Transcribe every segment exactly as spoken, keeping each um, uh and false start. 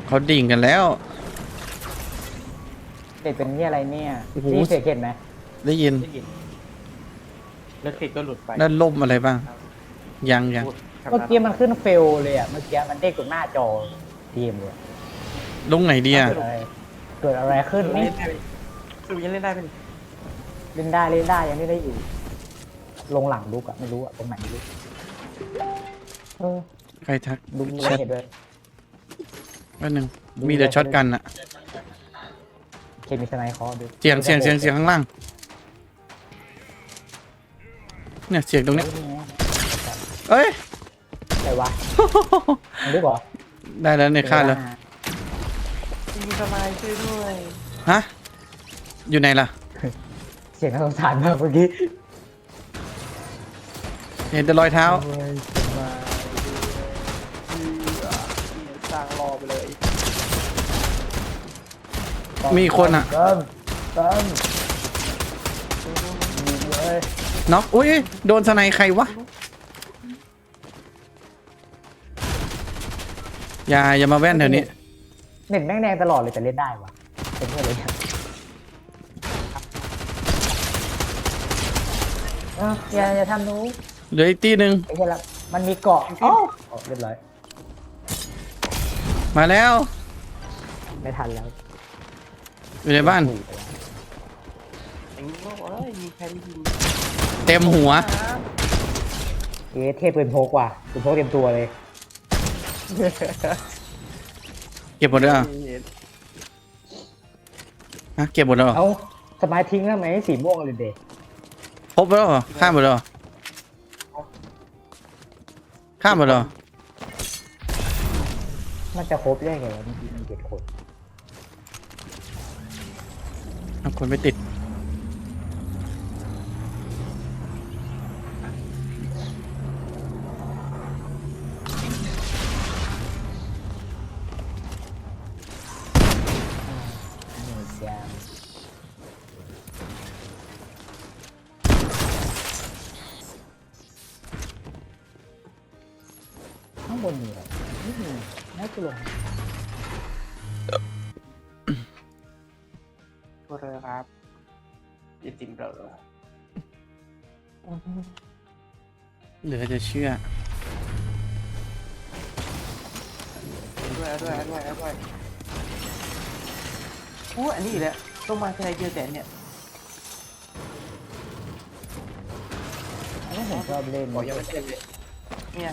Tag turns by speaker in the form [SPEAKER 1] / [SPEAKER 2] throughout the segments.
[SPEAKER 1] เขาดิ่งกันแล้ว
[SPEAKER 2] เด็กเป็นนี่อะไรเนี่ย
[SPEAKER 1] โอ้โห
[SPEAKER 2] นี่เสียเห็นไหม
[SPEAKER 1] ได้ยิน
[SPEAKER 3] ได้ยินแล้วคลิกก็หลุดไป
[SPEAKER 1] ด้านล่มอะไรบ้าง ยังยัง
[SPEAKER 3] พูดคำ
[SPEAKER 2] เมื่อกี้มันขึ้นเฟลเลยอ่ะเมื่อกี้มันเด้งตรงหน้าจอทีมเลย
[SPEAKER 1] ลงไหนดีอ่ะ
[SPEAKER 2] เกิดอะไรเกิดอะไรขึ้น
[SPEAKER 3] เล่
[SPEAKER 2] นี่
[SPEAKER 3] นได้ไหมสรุปยังเล่นได้เป็น
[SPEAKER 2] เล่นได้เล่นได้ยังไม่ได้อยู่ ลงหลังลุกอ่ะไม่รู้อ่ะตรงไหนไม่รู้เออ
[SPEAKER 1] ใครทัก
[SPEAKER 2] ดูมี
[SPEAKER 1] แช
[SPEAKER 2] อะไร
[SPEAKER 1] ท
[SPEAKER 2] เห็นด้วย
[SPEAKER 1] แป๊บนึงมีแต่ช็อตกันอะ
[SPEAKER 2] เคมีสไนคอร์ดู
[SPEAKER 1] เสียงเสียงเสียงเสียงข้างล่างเนี่ยเสียงตรงเนี้ยเอ้ย
[SPEAKER 2] ใครวะมันรู้เหรอ
[SPEAKER 1] ได้แล้วเนี่ยฆ่าแล้ว
[SPEAKER 3] มีสบายช่วยด้วย
[SPEAKER 1] ฮะอยู่ไหนล่ะ
[SPEAKER 2] เสียงน่าสงสารมากเมื่อกี้
[SPEAKER 1] เห็นแต่รอยเท้า
[SPEAKER 3] สร้างรอไปเลย
[SPEAKER 1] มีคนอะ
[SPEAKER 2] เติมเติมมีเลย
[SPEAKER 1] น็อกอุ้ยโดนสไนใครวะอย่าอย่ามาแว่นแถวนี้
[SPEAKER 2] เน็ตแม่งแดงตลอดเลยแต่เล่นได้วะเป็นเพื่อนเลยเนี่ยเอ้าอย่าอย่าทำหนู
[SPEAKER 1] เหลืออีกตีหนึ่ง
[SPEAKER 2] ไอ้เหี้ยละมันมีเกาะอ๋ออ๋อเรียบร้อย
[SPEAKER 1] มาแล้ว
[SPEAKER 2] ไม่ทันแล้ว
[SPEAKER 1] อยู่ในบ้าน
[SPEAKER 3] อย่างนี้ก็เอ้ยมีใครไม่ยิง
[SPEAKER 1] เต็มหัว
[SPEAKER 2] เอ๊ะเทพปืนพกว่ะปืนพกเต็มตัวเลย
[SPEAKER 1] เก็บหมดแล้วเหรอฮะเก็บหมดแล้วเหรอ
[SPEAKER 2] เอาสมัยทิ้งแล้วไหมสีม่วงเลยเด็ก
[SPEAKER 1] ครบแล้วเหรอข้ามหมดแล้วเหรอข้ามหมดแล้วเหรอ
[SPEAKER 2] มันจะครบได้ไงวะมันมีเจ็ดคน
[SPEAKER 1] เอาคนไม่ติด
[SPEAKER 2] นี่เสียงข้างบนมีอะไรไม่มีน่าจะลง
[SPEAKER 3] ตัวเรือครับยิติมเรือ
[SPEAKER 1] เหลือจะเชื่อ
[SPEAKER 3] ด้วยด้วยด้วยด้วยโอ้อันนี้อีกแล้วต้องมาทีไรเจอแต่เนี่ย
[SPEAKER 2] ไม่ผมชอบเล่น
[SPEAKER 3] บอกยังไม่เต็มเลยเนี่ย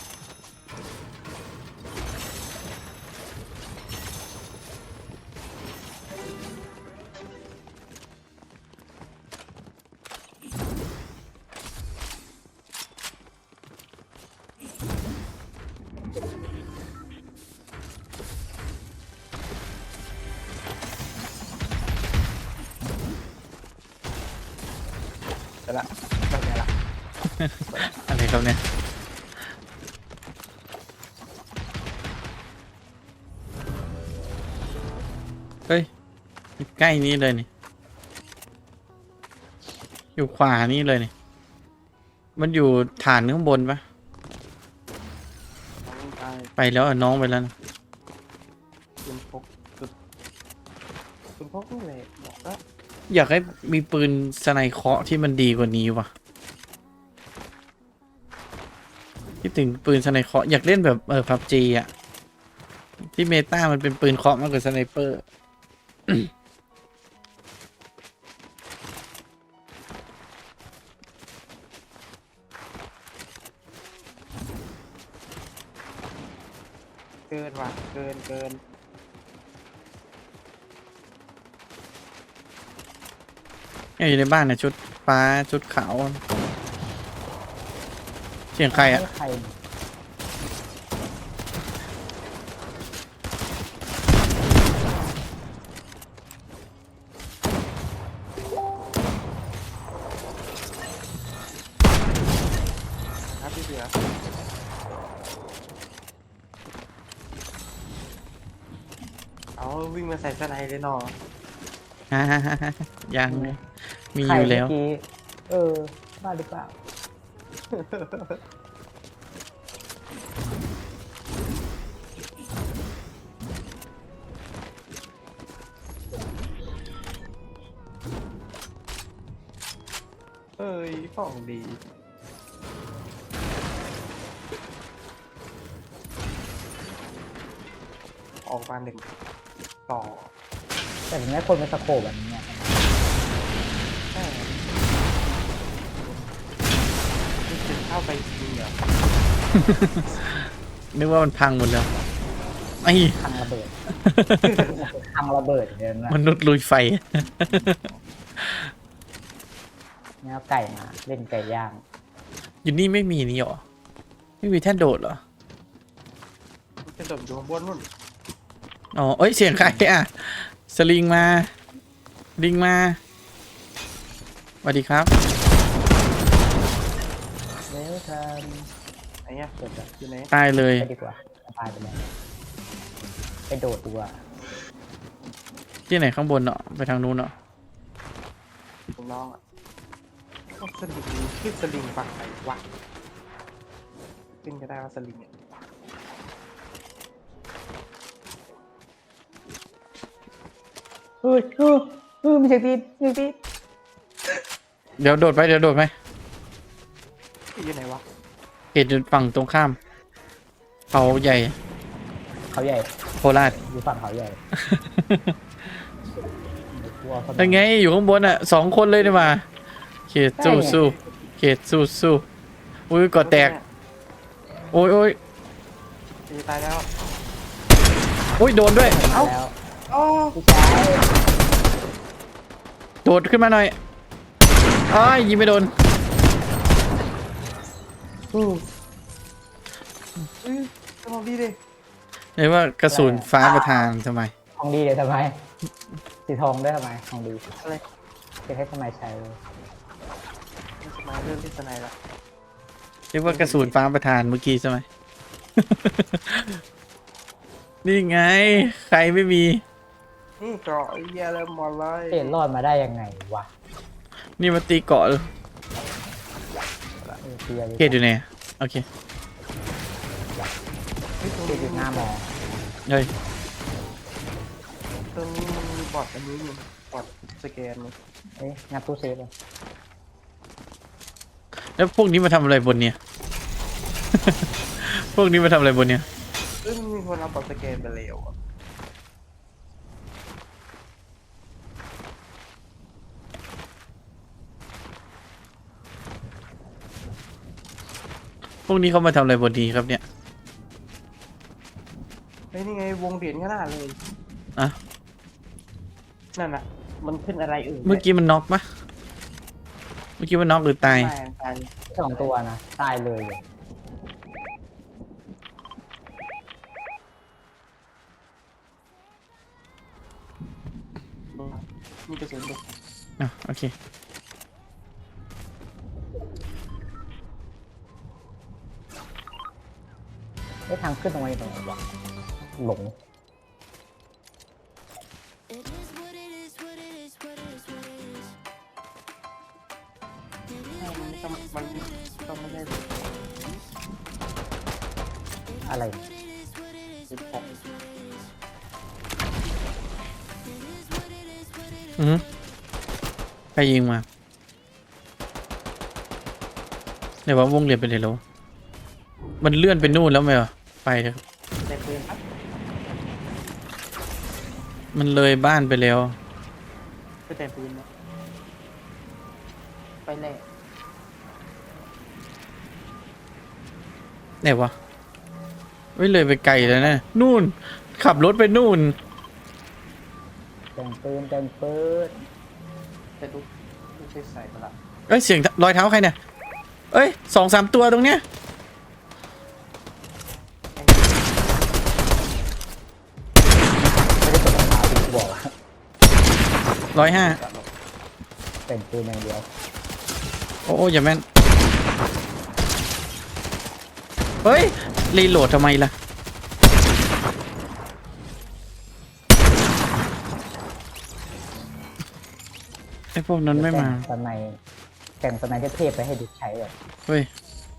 [SPEAKER 3] แต่ละแบบนี้ละ
[SPEAKER 1] อะไรครับเนี่ยเฮ้ยใกล้นี้เลยนี่อยู่ขวานี่เลยนี่มันอยู่ฐานข้างบนปะ
[SPEAKER 3] ตาย
[SPEAKER 1] ไปแล้วอ่ะน้องไปแล้วนะ
[SPEAKER 3] คุณพกคุณคุณพกนี่เลยบอกว่า
[SPEAKER 1] อยากให้มีปืนสไนเคราะห์ที่มันดีกว่านี้ว่ะคิดถึงปืนสไนเคราะห์อยากเล่นแบบเออพับจีอ่ะที่เมตามันเป็นปืนเคราะห์มากกว่าสไนเปอร์
[SPEAKER 3] เกินว่ะเกินเกิน
[SPEAKER 1] เนี่ยอยู่ในบ้านเนี่ยชุดฟ้าชุดขาวเสียงใครอ่ะ
[SPEAKER 2] ไม่ใคร
[SPEAKER 3] ครับพี่เสือเอาวิ่งมาใส่สไนเลยเนาะ
[SPEAKER 1] ฮ่าฮ่าฮ่าฮ่ายังมี
[SPEAKER 2] ใคร
[SPEAKER 1] อยู่แล้ว
[SPEAKER 2] เมื่อกี้เออบ้าหรือเปล่า
[SPEAKER 3] ของดีออกมาหนึ่งต่อ
[SPEAKER 2] แต่ถึงแม้คนเป็นสโคปแบบนี้เนี่ย
[SPEAKER 3] ใช่นี่คือเข้าไปจริงเหรอ
[SPEAKER 1] นึกว่ามันพังหมดแล้วไอ้
[SPEAKER 2] พังระเบิด พังระเบิดเดินนะ
[SPEAKER 1] มนุษย์ลุยไฟ
[SPEAKER 2] เนี่ยเอาไก่มาเล่นไก่ย่าง
[SPEAKER 1] อยู่นี่ไม่มีนี่หรอไม่มีแท่นโดดเหรอ
[SPEAKER 3] มันจะโดดอยู่ข้างบนนู่น
[SPEAKER 1] อ๋อเอ้ยเสียงใครอ่ะสลิงมาลิงมาสวัสดีครับ
[SPEAKER 2] เร็วท
[SPEAKER 3] ไอ้เนี้ยเกิดจากอยู่ไหน
[SPEAKER 1] ตายเล
[SPEAKER 2] ำ
[SPEAKER 1] ย
[SPEAKER 2] ไปดีกว่าตายไปเลยไปโดดดีกว่า
[SPEAKER 1] ที่ไหนข้างบนเนาะไปทางนู้นเนาะ
[SPEAKER 3] ผมน้องอ่ะก็สลิงขึ้นสลิงฝั่งไหนวะขึ้นก็ได้ว่าสลิงเนี่ย
[SPEAKER 2] เฮ้ยเฮ้ยเฮ้ยมีเสียงตีนมีเสียงตีน
[SPEAKER 1] เดี๋ยวโดดไปเดี๋ยวโดดไป
[SPEAKER 3] อยู่ไหนวะ
[SPEAKER 1] เขตอยู่ฝั่งตรงข้ามเขาใหญ่
[SPEAKER 2] เขาใหญ่
[SPEAKER 1] โคราช
[SPEAKER 2] อยู่ฝั่งเขาใหญ่กลัวเขา
[SPEAKER 1] ยังไงอยู่ข้างบนอ่ะสองคนเลยนี่มาเขตสู้สู้เขตสู้สู้อุ้ยกอดแตกโอ้ยโอ้ย
[SPEAKER 3] จะตายแล้ว
[SPEAKER 1] โอ้ยโดนด้วย
[SPEAKER 2] เอ้าแล้ว
[SPEAKER 3] โอ้
[SPEAKER 2] พี่ชาย
[SPEAKER 1] โดดขึ้นมาหน่อยอ้ายยิงไม่โดน
[SPEAKER 3] อืออือสมองดีดิ
[SPEAKER 1] เรียกว่ากระสุนฟ้าประทานทำไม
[SPEAKER 2] ทองดีเดี๋ยวทำไมสีทองได้ทำไมทองดี
[SPEAKER 3] อะไร
[SPEAKER 2] จะให้ทำไมใช้
[SPEAKER 3] ไม่สมัยเริ่มที่สไนละ
[SPEAKER 1] เรียกว่ากระสุนฟ้าประทานเมื่อกี้ใช่ไหม นี่ไง ใครไม่มี
[SPEAKER 3] นี่เกราะไอ้เหี้ยเลยหมดเลย
[SPEAKER 2] เอ็นรอดมาได้ยังไงวะ
[SPEAKER 1] นี่มาตีเกาะเลย
[SPEAKER 2] เออเตีย
[SPEAKER 1] เกตอยู่ไหนโอเค
[SPEAKER 3] เฮ้ยตรง
[SPEAKER 2] เตีย
[SPEAKER 3] นี้
[SPEAKER 2] อยู่หน้ามอ
[SPEAKER 1] เฮ้ย
[SPEAKER 3] ตรงนี้มันมีบอทอันนี้อยู่บอทสแกนนี่
[SPEAKER 2] เอ้ยงัดตู้เซฟเลย
[SPEAKER 1] แล้วพวกนี้มาทำอะไรบนเนี่ย พวกนี้มาทำอะไรบนเนี่ย
[SPEAKER 3] ซึ่งมีคนเอาบอทสแกนไปแล้วอะ
[SPEAKER 1] พวกนี้เขามาทำอะไรบนนี้ครับเนี่ย
[SPEAKER 3] เฮ้ยนี่ไงวงเหรียญขนาดเลย
[SPEAKER 1] อ่ะ
[SPEAKER 3] นั่นน่ะมันขึ้นอะไรเอ่ย
[SPEAKER 1] เมื่อกี้มันน็อกปะเมื่อกี้มันน็อกหรือตาย
[SPEAKER 3] ตายตาย
[SPEAKER 2] สองตัวนะตายเลย
[SPEAKER 3] มีกระสุนด้วย
[SPEAKER 1] อ่ะโอเค
[SPEAKER 2] ไอ้ยทางขึ้นตรงไหนตรงไหนวะหลง
[SPEAKER 4] It is what it is, what it is, what it is, what it is. It is
[SPEAKER 3] มัน
[SPEAKER 4] what
[SPEAKER 3] ต้อง
[SPEAKER 4] it is,
[SPEAKER 3] มัน
[SPEAKER 4] what it is,
[SPEAKER 3] ต้องไม่ได้
[SPEAKER 2] อะไร
[SPEAKER 4] what it is, what it is,
[SPEAKER 3] สิบ
[SPEAKER 4] what
[SPEAKER 3] หก
[SPEAKER 4] it is, what it is. It is what it is, what it is.
[SPEAKER 1] อือใครยิงมาเดี๋ยวว่าวงเรียนไปเลยแล้วมันเลื่อนไปนู่นแล้วไหมวะไปเถอะครับ
[SPEAKER 3] ในปืนครับ
[SPEAKER 1] มันเลยบ้านไปแล้ว
[SPEAKER 3] ไปแต่ปืนนะไปแน่
[SPEAKER 1] ไหนวะไม่เลยไปไกลแล้วนะนู่น ขับรถไปนู่น
[SPEAKER 2] แต่งปืนแต่งปืน
[SPEAKER 3] แต่ดูไม่ใช่ใส่ประหลาด
[SPEAKER 1] เอ้ยเสียงรอยเท้าใครเนี่ยเอ้ยสองสามตัวตรงเนี้ย
[SPEAKER 2] ไม่ได้กดรองเท้าที่กูบอกอะ
[SPEAKER 1] ร้อยห้า
[SPEAKER 2] แต่งปืนอย่างเดียว
[SPEAKER 1] โอ้โอ้อย่าแม่นเฮ้ยรีโหลดทำไมล่ะไอ้พวกนั้นไม่มา
[SPEAKER 2] แต่งสไนแต่งสไนเทพๆไปให้ดิกใช้แบบ
[SPEAKER 1] เฮ้ย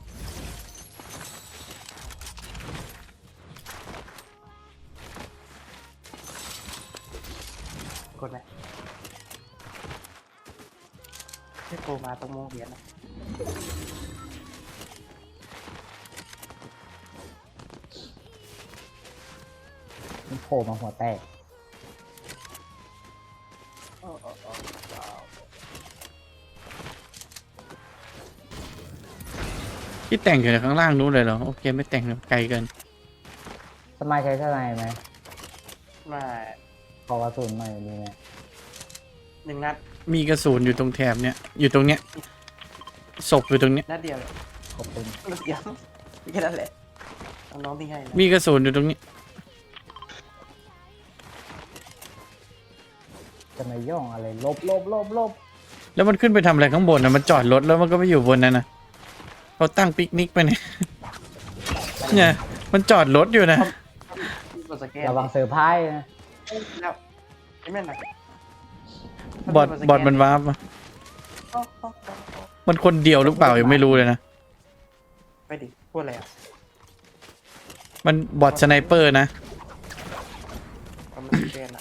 [SPEAKER 3] กดนะให้โทรมาต้องโมงเหรียญนะ
[SPEAKER 2] มันโผล่มาหัวแตก
[SPEAKER 1] ที่แต่งอยู่ในข้างล่างนู้นเลยเหรอโอเคไม่แต่งเลยไกลเกิน
[SPEAKER 2] สมัยใช้สไนไหม
[SPEAKER 3] มา
[SPEAKER 2] ขอกระสุนหน่อยดีไหม
[SPEAKER 3] หนึ่งนัด
[SPEAKER 1] มีกระสุนอยู่ตรงแถบเนี้ยอยู่ตรงเนี้ยศพอยู่ตรงเนี้ย
[SPEAKER 3] นัดเดียวเลย
[SPEAKER 2] ขอบคุณ
[SPEAKER 3] นัดเดียวแค่นั้นแหละน้องๆที่ให้นะ
[SPEAKER 1] มีกระสุนอยู่ตรงนี้
[SPEAKER 2] จะมาย่องอะไรลบลบลบลบ
[SPEAKER 1] แล้วมันขึ้นไปทำอะไรข้างบนนะมันจอดรถแล้วมันก็ไปอยู่บนนั้นนะเขาตั้งปิกนิกไปเนี่ยเนี่ยมันจอดรถอยู่นะ
[SPEAKER 3] กดสแกน
[SPEAKER 2] ระวังเซอร์ไพรส์นะ
[SPEAKER 3] แล้วไอ้แม่นนะ
[SPEAKER 1] บอดบอดมันวาร์ปอะมันคนเดียวหรือเปล่ายังไม่รู้เลยนะ
[SPEAKER 3] ไปดิพูดอะไรอ่ะ
[SPEAKER 1] มันบอดสไนเปอร์นะ
[SPEAKER 3] มันสแกนอ่ะ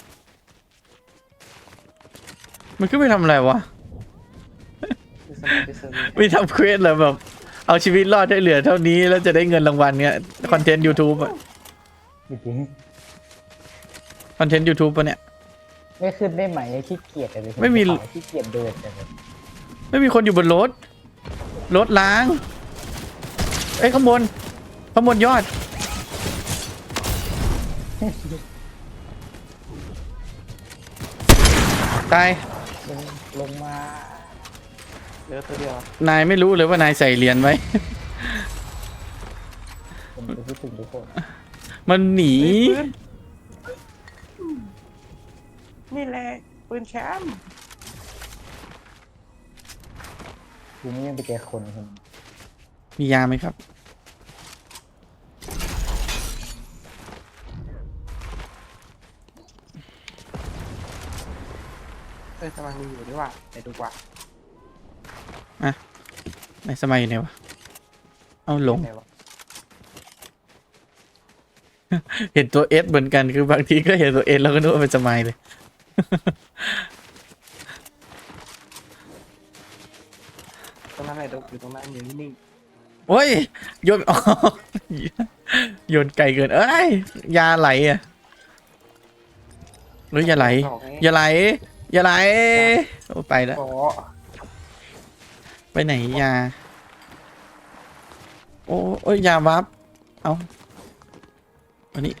[SPEAKER 1] มันขึ้นไปทำอะไรวะ
[SPEAKER 3] ไปเซิร์ฟไปเซิร์ฟ
[SPEAKER 1] ไม่ทำเควสเหรอแบบเอาชีวิตรอดได้เหลือเท่านี้แล้วจะได้เงินรางวัลเนี้ยคอนเทนต์ YouTube อะ
[SPEAKER 2] จริง
[SPEAKER 1] คอนเทนต์ YouTube ปะเนี่ย
[SPEAKER 2] ๆไม่ขึ้นได้ไหมขี้เกียจเลย
[SPEAKER 1] ไม่มี
[SPEAKER 2] ขี้เกียจเดินจังเลย
[SPEAKER 1] ไม่มีคนอยู่บนรถรถล้าง เอ้ยข้างบนข้างบนยอดตาย
[SPEAKER 2] ลงลงมา
[SPEAKER 3] เหลือตัวเดียวน
[SPEAKER 1] ายไม่รู้เลยว่านายใส่เหรียญไว้
[SPEAKER 2] ผมจะคิดถึงทุกคน
[SPEAKER 1] มันหนี
[SPEAKER 3] ปืนนี่แหละปืนแชมป์
[SPEAKER 2] กูไม่ยังไปเจอคนคน
[SPEAKER 1] มียาไหมครับ
[SPEAKER 3] เออสมังมีอยู่ด้วยว่ะไปดูกว่า
[SPEAKER 1] ในสมัยอยู่ไหนวะเอาหลง
[SPEAKER 3] ไหนวะ
[SPEAKER 1] เห็นตัวเอสเหมือนกันคือบางทีก็เห็นตัวเอสแล้วก็นึกว่าเป็นสมัยเลย
[SPEAKER 3] ตรงนั้นไหนดูอยู่ตรงนั้นอยู่นิ่ง
[SPEAKER 1] โอ้ยโยน อ๋อโยนไกลเกิน เอ้ยยาไหลอ่ะหรืออย่าไหล
[SPEAKER 3] ๆบอกไง
[SPEAKER 1] อย่าไหล อย่าไหลโอ้ไปแล้ว
[SPEAKER 3] ขอ
[SPEAKER 1] ไปไหนยา โอ้โอ้ยยาวับเอาอันนี้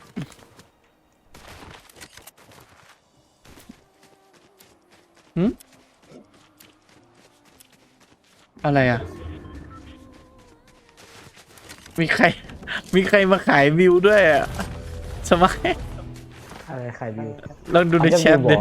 [SPEAKER 1] หืมอะไรอ่ะ มีใคร มีใครมาขายวิวด้วยอ่ะสมัย
[SPEAKER 2] อะไรใครวิว
[SPEAKER 1] ลองดูในแชทดิ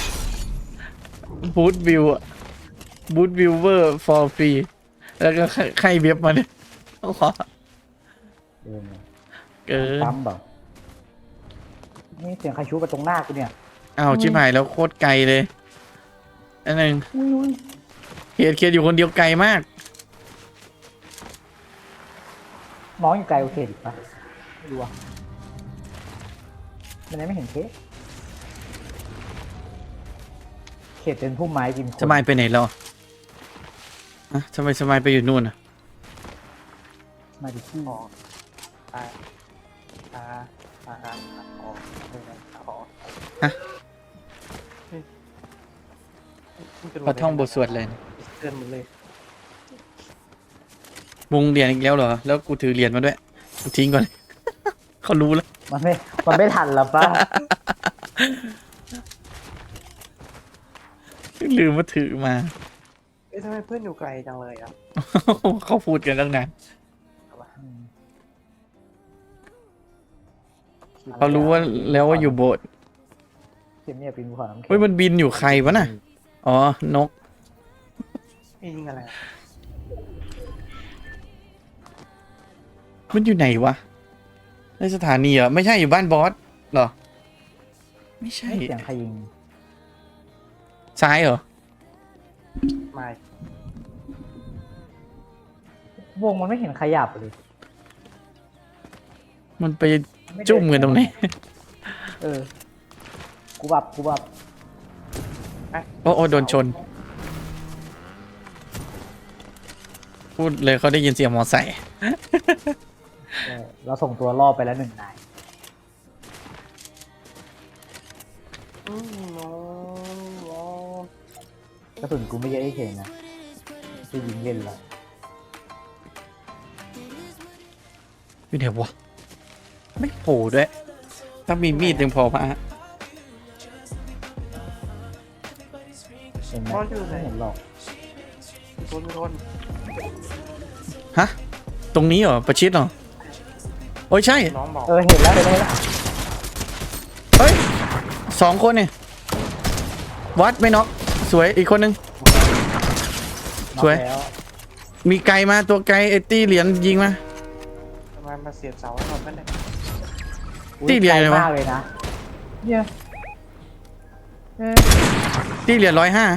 [SPEAKER 1] บูทวิวอ่ะบูทวิวเวอร์ for free แล้วก็ใครเว็บมาเนี่ยโอ้โห
[SPEAKER 2] เดินมา
[SPEAKER 1] เกิน
[SPEAKER 2] ปั๊มแบบนี่เสียงใครชูไปตรงหน้ากูเนี่ย
[SPEAKER 1] อ้าวชิบหายแล้วโคตรไกลเลยอันนึง
[SPEAKER 2] อุ้ยอุ้ย
[SPEAKER 1] เขียดเขียดอยู่คนเดียวไกลมาก
[SPEAKER 2] น้องอยู่ไกลโอเคดิปะไม่รู้อ่ะมันยังไม่เห็นเคสเขตเป็นพุ่มไม้กินคน
[SPEAKER 1] สมัยไปไหนแล้วอ่ะทำไมสมัยไปอยู่นู่นอ่ะ
[SPEAKER 2] มาดิที่
[SPEAKER 3] ขออ่าอ่าอ่าอ่าขอไม่ได้ขอ
[SPEAKER 1] ฮะ
[SPEAKER 3] เฮ้ยมันเป็น
[SPEAKER 1] พอท่องบทสวดเลยนะ
[SPEAKER 3] เตือนหมดเลย
[SPEAKER 1] มุงเหรียญอีกแล้วเหรอ แล้วกูถือเหรียญมาด้วยกูทิ้งก่อน เขารู้แล้ว
[SPEAKER 2] มันไม่มันไม่ทันแล้วป่ะ
[SPEAKER 1] ลืมว่าถือมา
[SPEAKER 3] เอ้ยทำไมเพื่อนอยู่ไกลจังเลยอ่ะ
[SPEAKER 1] เขาพูดกันตั้งนานเขารู้ว่าแล้วว่าอยู่โบสถ์
[SPEAKER 2] เขียนเนี่ยปีนภูเขาน้ำแข็ง
[SPEAKER 1] เฮ้ยมันบินอยู่ใครวะน่ะ อ๋อ นก
[SPEAKER 3] นี่ยิงอะไรอะ
[SPEAKER 1] มันอยู่ไหนวะ ในสถานีเหรอ ไม่ใช่อยู่บ้านบอสเหรอ ไม่ใช่
[SPEAKER 2] เสียงใครยิง
[SPEAKER 1] ซ้ายเหรอ
[SPEAKER 3] ไม่
[SPEAKER 2] วงมันไม่เห็นขยับเลย
[SPEAKER 1] มันไปจุ่มกันตรงไหน
[SPEAKER 2] เออ กูบับกูบับ
[SPEAKER 1] โอ้โอ้โดนชนพูดเลยเขาได้ยินเสียงมอไซค์
[SPEAKER 2] เออเราส่งตัวล่อไปแล้วหนึ่งนาย
[SPEAKER 3] อืมโน้โน้
[SPEAKER 2] กระสุนกูไม่เยอะไอ้เข่งนะจะยิงเล่นละ
[SPEAKER 1] อยู่เดี๋ยววะไม่โผล่ด้วย ถ้ามีมีดยังพอพะ
[SPEAKER 2] เห็นไหม
[SPEAKER 3] บอสอยู่ไหน
[SPEAKER 2] ไม่เห็นหรอก
[SPEAKER 3] มีคนมีคน
[SPEAKER 1] ฮะ ตรงนี้เหรอ ประชิดเหรอ โอ้ยใช่
[SPEAKER 3] น้องบอก
[SPEAKER 2] เออเห็นแล้วเห็นแล้วเห็นแล้ว
[SPEAKER 1] เฮ้ยสองคนเนี่ยวัดไม่น็อกสวยอีกคนนึง สวย
[SPEAKER 2] น็อกแล้ว
[SPEAKER 1] มีไกลมาตัวไกลไอ้ตี้เหรียญยิงมา
[SPEAKER 3] ทำไมมาเสียบเสาให้หมดไม่ได้
[SPEAKER 2] อุ๊
[SPEAKER 1] ที่เดียวเลยวะ
[SPEAKER 2] ไกมากเลยนะเนี่ยเอ๊ะ
[SPEAKER 1] ตี้เหรียญร้อยห้า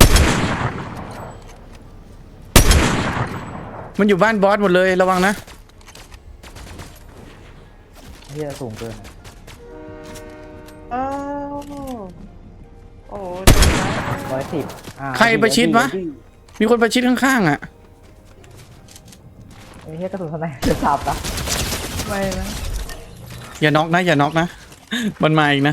[SPEAKER 1] มันอยู่บ้านบอสหมดเลยระวังนะ
[SPEAKER 2] เฮียสูงเกินอะ
[SPEAKER 3] อ้าวโอ้ย
[SPEAKER 2] ร้อยสิบอ่า
[SPEAKER 1] ใครประชิดวะ มีคนประชิดข้างๆอ่ะ
[SPEAKER 2] ไอ้เฮียกระสุนทนายจะสับนะไม่นะ
[SPEAKER 1] อย่าน็อกนะอย่าน็อกนะ มันมาอีกนะ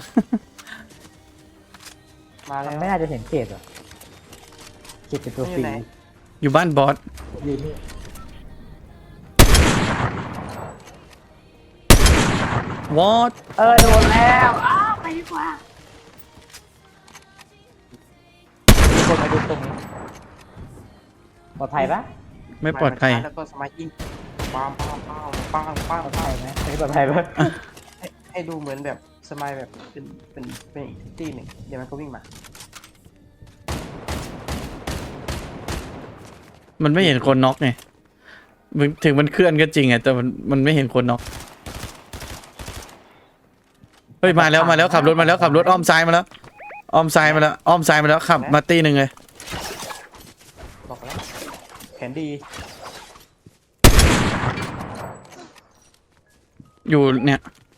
[SPEAKER 3] มาแล้ว
[SPEAKER 2] มันไม่น่าจะเห็นเขตหรอเขตเป็นตัวฟรี
[SPEAKER 3] อยู่ไหน
[SPEAKER 1] อยู่บ้านบอส
[SPEAKER 2] ยืนนี่
[SPEAKER 1] วอต
[SPEAKER 2] เออโดนแล้วอ้าวไปดีกว่ามีคนมาดูตรงนี้ปลอดภัยปะ
[SPEAKER 1] ไม่ปลอดภัย
[SPEAKER 3] แล้วก็สมัยยิงปังปังปังปังปัง
[SPEAKER 2] ปลอด
[SPEAKER 3] ปั
[SPEAKER 2] ภั
[SPEAKER 3] ง
[SPEAKER 2] ยไหมไม่ปลอดภัยปะ
[SPEAKER 3] ให้ให้ดูเหมือนแบบสมัยแบบเป็นเป็นเป็นอีกที่หนึ่งเดี๋ยวมันก็วิ่งมา
[SPEAKER 1] มันไม่เห็นคนน็อกไงมันถึงมันเคลื่อนก็จริงอะแต่มันมันไม่เห็นคนน็อกเฮ้ยมาแล้วมาแล้วขับรถมาแล้วขับรถอ้อมซ้ายมาแล้วอ้อมซ้ายมาแล้วอ้อมซ้ายมาแล้วขับมาตีหนึ่งเลย
[SPEAKER 3] บอกแล้วแผนดี
[SPEAKER 1] อยู่เนี่ย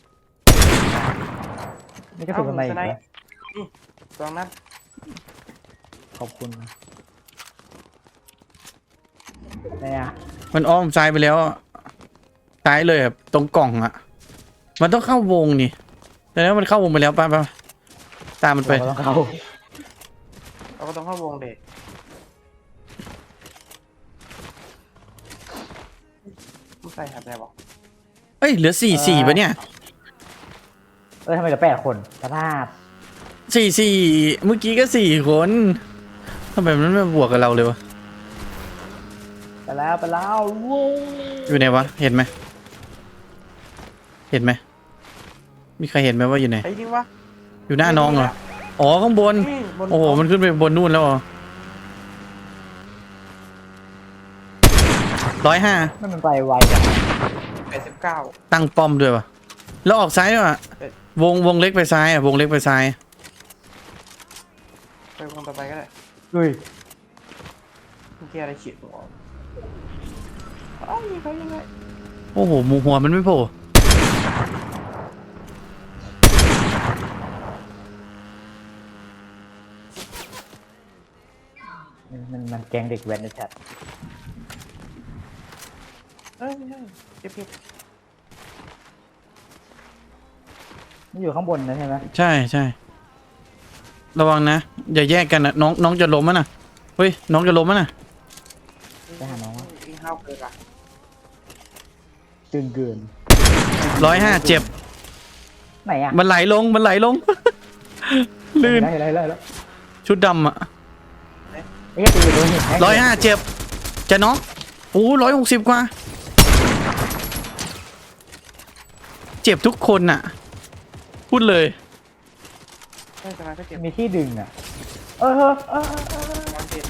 [SPEAKER 2] นี่กระสุนทนายอีก
[SPEAKER 3] เอ้า
[SPEAKER 2] เหรอ
[SPEAKER 3] นี่ตรงนั้น
[SPEAKER 2] ขอบคุณนะเนี่ย
[SPEAKER 1] มันอ้อมซ้ายไปแล้วอะซ้ายเลยแบบตรงกล่องอะมันต้องเข้าวงนี่แต่แล้วมันเข้าวงไปแล้วป่ะป่ะตามมันไป
[SPEAKER 2] เราก็ต้องเข้า
[SPEAKER 3] เราก็ต้องเข้าวงเด็กไม่ใส่หัดอะไรบอก
[SPEAKER 1] เอ้ยเหลือสี่สี่ปะเนี่ย
[SPEAKER 2] เออทำไมเหลือแปดคนสภาพ
[SPEAKER 1] สี่สี่เมื่อกี้ก็สี่คนทำไมมันไม่บวกกับเราเลยวะ
[SPEAKER 2] ไปแล้วไปแล้ววู้
[SPEAKER 1] อยู่ไหนวะเห็นไหมเห็นไหมมีใครเห็นไหมว่าอยู่ไหน
[SPEAKER 3] ไอ้จริงวะ
[SPEAKER 1] อยู่หน้าน้องเหรออ๋อข้างบน
[SPEAKER 3] นี่บน
[SPEAKER 1] โอ้โหมันขึ้นไปบนนู่นแล้วเหรอร้อยห้า
[SPEAKER 2] นั่นมันไปไวจัง
[SPEAKER 3] แปดสิบเก้า
[SPEAKER 1] ตั้งป้อมด้วยวะแล้วออกซ้ายด้วยวะวงวงเล็กไปซ้ายอ่ะวงเล็กไปซ้าย
[SPEAKER 3] ไปวงต่อไปก็ได้
[SPEAKER 2] อุ้ย
[SPEAKER 3] เมื่อกี้อะไรขีดหัวเอ้ายิงเขายังไง
[SPEAKER 1] โอ้โหหมูหัวมันไม่โผล่
[SPEAKER 2] มันมันมันแกงเด็กแว้นในแชท
[SPEAKER 3] เอ้ยไม่ใช่เก็บเก็บ
[SPEAKER 2] มันอยู่ข้างบนนะใช่ไหม
[SPEAKER 1] ใช่ใช่ระวังนะอย่าแยกกันนะน้องน้องจะล้มมั้ยนะเฮ้ยน้องจะล้มมั้ยนะ
[SPEAKER 2] ไปหาน้องวะ
[SPEAKER 3] ยิงห้าวเกินอะ
[SPEAKER 2] จึงเกิน
[SPEAKER 1] ร้อยห้าเจ็บ
[SPEAKER 2] ไหนอ่ะ
[SPEAKER 1] มันไหลลงมันไหลลง ลื่น
[SPEAKER 2] เห็นแล้วเห็นแล้วเห็นแล้ว
[SPEAKER 1] ชุดดำอ่ะ
[SPEAKER 2] ไอ้เหี้ยตีอยู่ตรงหิน
[SPEAKER 1] ร้อยห้าเจ็บจะน้องโอ้ร้อยหกสิบกว่าเจ็บทุกคนน่ะ พูดเลย
[SPEAKER 3] ใช่สมัยก็เจ็บ
[SPEAKER 2] มีที่ดึงอ่ะเออเออเออเออเออ
[SPEAKER 3] วันเจ็บ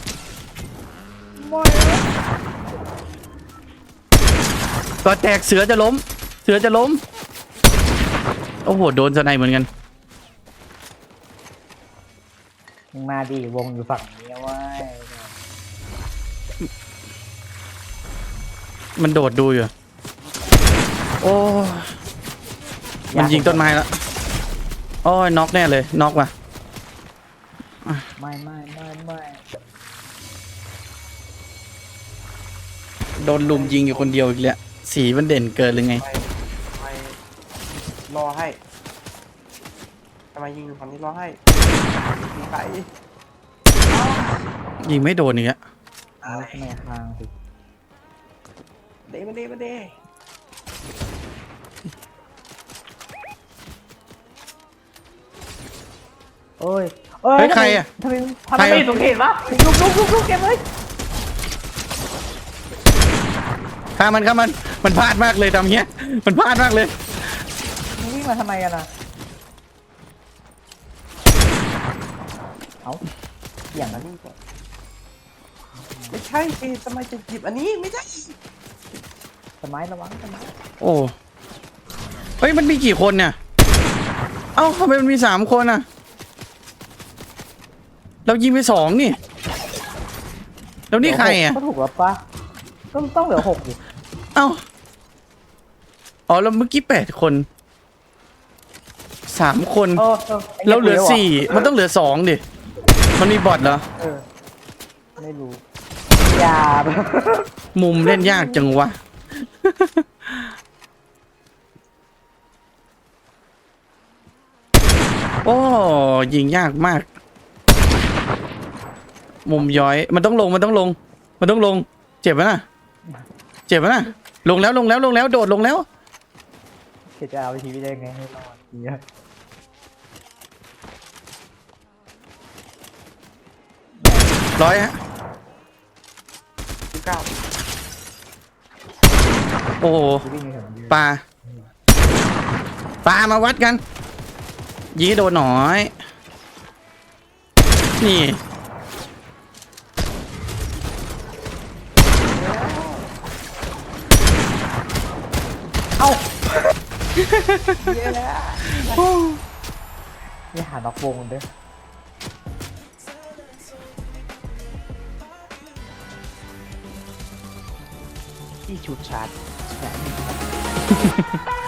[SPEAKER 1] ก็แตกเสือจะล้ม เสือจะล้ม โอ้โห โดนสไนเหมือนกัน
[SPEAKER 2] มึงมาดีวงอยู่ฝั่งนี้เว้ย
[SPEAKER 1] มันโดดดูอยู่ โอ้ยมันยิงต้นไม้แล้ว โอ้ยน็อกแน่เลย น็อกว่ะ
[SPEAKER 2] ไม่ไม่ไม่ไม่
[SPEAKER 1] โดนลุมยิงอยู่คนเดียวอีกแล้วสีมันเด่นเกินหรือไง
[SPEAKER 3] ทำไมทำไมรอให้ทำไมยิงฝั่งนี้รอให้ยิงไป
[SPEAKER 1] ยิงไม่โดนอีกแล้ว
[SPEAKER 2] เอาทำไมห่างสิ
[SPEAKER 3] เดมาเดมาเด
[SPEAKER 2] เอ้ยเอ้ย
[SPEAKER 1] เฮ้ยใครอะ
[SPEAKER 2] ทำไมทำ
[SPEAKER 1] ใคร
[SPEAKER 2] ไม
[SPEAKER 1] อะ
[SPEAKER 2] ไม่สงเห็นวะลุกลุกลุกลุกเก็บเลย
[SPEAKER 1] ฆ่ามันฆ่ามันมันพลาดมากเลยทำเงี้ยมันพลาดมากเลย
[SPEAKER 2] มึงวิ่งมาทำไมกันอ่ะเอาอย่างนั้น
[SPEAKER 3] ไม่ใช่เอ๊ะทำไมจะหยิบอันนี้ไม่ใช่
[SPEAKER 2] สมัยระวังสมัย
[SPEAKER 1] โอ้เฮ้ยมันมีกี่คนเนี่ยเอ้าทำไมมันมีสามคนอ่ะเรายิงไปสองนี่แล้วนี่ใครอ่ะ
[SPEAKER 2] ก็ถูกแล้วปะก็ต้องเหลือหกดิ
[SPEAKER 1] เอ้าอ๋อแล้วเมื่อกี้แปดคนสามคน
[SPEAKER 2] เออเออไ
[SPEAKER 1] เราเหลือ
[SPEAKER 2] คุย
[SPEAKER 1] สี่มันต้องเหลือสองดิมันมีบอทเหรอ
[SPEAKER 2] เออไม่รู้อย่า
[SPEAKER 1] มุมเล่นยากจังวะ โอ้ยิงยากมาก มุมย้อยมันต้องลงมันต้องลง มันต้องลง เจ็บไหมน่ะ เจ็บไหมน่ะ ลงแล้วลงแล้วลงแล้วโดดลงแล้ว
[SPEAKER 2] เจะเอาวิธีไปได้ไงให้รอดเนี่ย
[SPEAKER 1] ร้อยฮะ
[SPEAKER 3] สิบเก้า
[SPEAKER 1] โอ้โห
[SPEAKER 2] จะวิ่งไปถึงยืน
[SPEAKER 1] ปลาปลามาวัดกัน ยิงให้โดนหน่อย นี่
[SPEAKER 2] เอ้า
[SPEAKER 3] เยอะแล้ว
[SPEAKER 2] นี่หานอกวงด้วย
[SPEAKER 3] ที่ชุดชาร์จ